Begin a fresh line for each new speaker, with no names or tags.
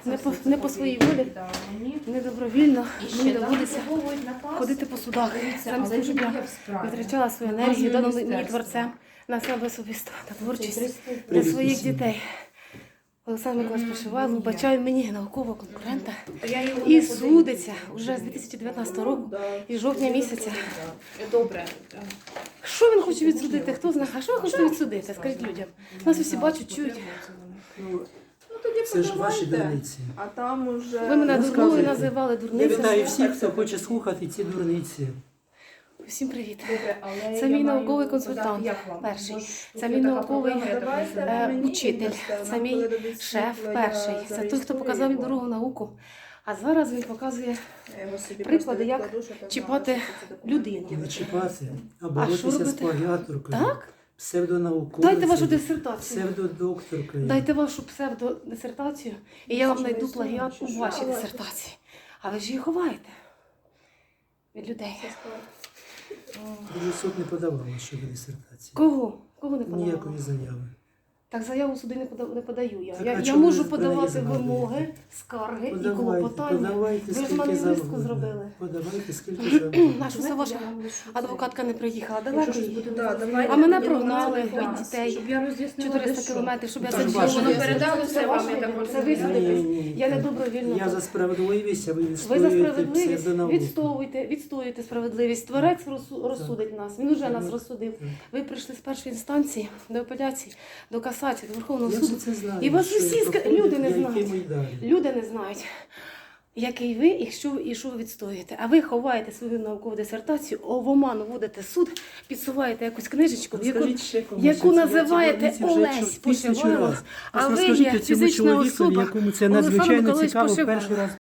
не по своїй волі, не добровільно мені доводиться ходити по судах. Замість того, щоб я витрачала свою енергію, дану мені творцем, на себе особисто, на творчість для своїх дітей. Олександр Миколаївич Пошивайло вбачає мені наукового конкурента і судиться вже з 2019 року і жовтня місяця.
Добре.
Що він хоче відсудити? Хто знає? А що ви хочете відсудити? Скажіть людям. Нас усі бачать, чують.
Це ж ваші дурниці.
А там уже...
Ви мене дурною називали
Я
дурницею.
вітаю всіх, хто хоче слухати ці дурниці.
Всім привіт.
Добре, але
Це
я
мій
маю
науковий
задати,
консультант
як вам?
перший.
Може,
Це
є
мій
така
науковий
проблема, я так розумію.
учитель. Це мій шеф перший. Це той, хто показав мені дорогу в науку. А зараз він показує
Я його собі
приклади,
просто
як
відкладу, щоб я
чіпати
знала, що це таке.
людину.
Не чіпати, а
що
боротися з
робити?
плагіаторкою,
Так?
псевдонауковицею,
Дайте вашу дисертацію.
псевдодокторкою.
Дайте вашу псевдодисертацію, і я вам знайду плагіат у вашій дисертації. А ви ж її ховаєте від людей.
Дуже суд не подавав щодо дисертації.
Кого? Кого не подавала?
Ніякої заяви.
Так заяву суди не подаю я.
Так, а
Я
чому
можу
ви про
подавати
неї згадуєте?
вимоги, скарги і
Подавайте,
клопотання.
подавайте,
Ви ж
скільки
мене
завгодно.
листку зробили.
Подавайте, скільки завгодно.
Наша все ваша адвокатка не приїхала далеко.
Якщо щось буде, да, давайте
А мене
мені
прогнали
номер
від дітей.
щоб я роз'яснила,
400
де що.
кілометрів, щоб я
Так,
сиділа.
ваше
Воно
дитя.
передало все вам. Це ви судитесь. Я не добровільно.
Я за справедливість, а ви
Ви за
відстоюєте
справедливість
псевдонауку.
відстоюєте справедливість. Творець розсудить нас. Він уже нас розсудив. Ви прийшли з першої інстанції до апеляції, до касації, до Верховного
Я
суду.
ж це знаю.
І вас
що
усі
проходить,
люди не
я
знають.
йтиму й далі.
Люди не знають, який ви і що ви відстоюєте. А ви ховаєте свою наукову дисертацію, в оману вводите суд, підсуваєте якусь книжечку,
Розкажіть ще комусь,
яку
що ці
називаєте
дурниці вже
Олесь
тисячу
Пошивайло,
раз.
а ви
Розкажіть
є
цьому
фізична
чоловікові,
особа
якому це
Олександр
надзвичайно
Миколаївич
цікаво
Пошивайло.
перший раз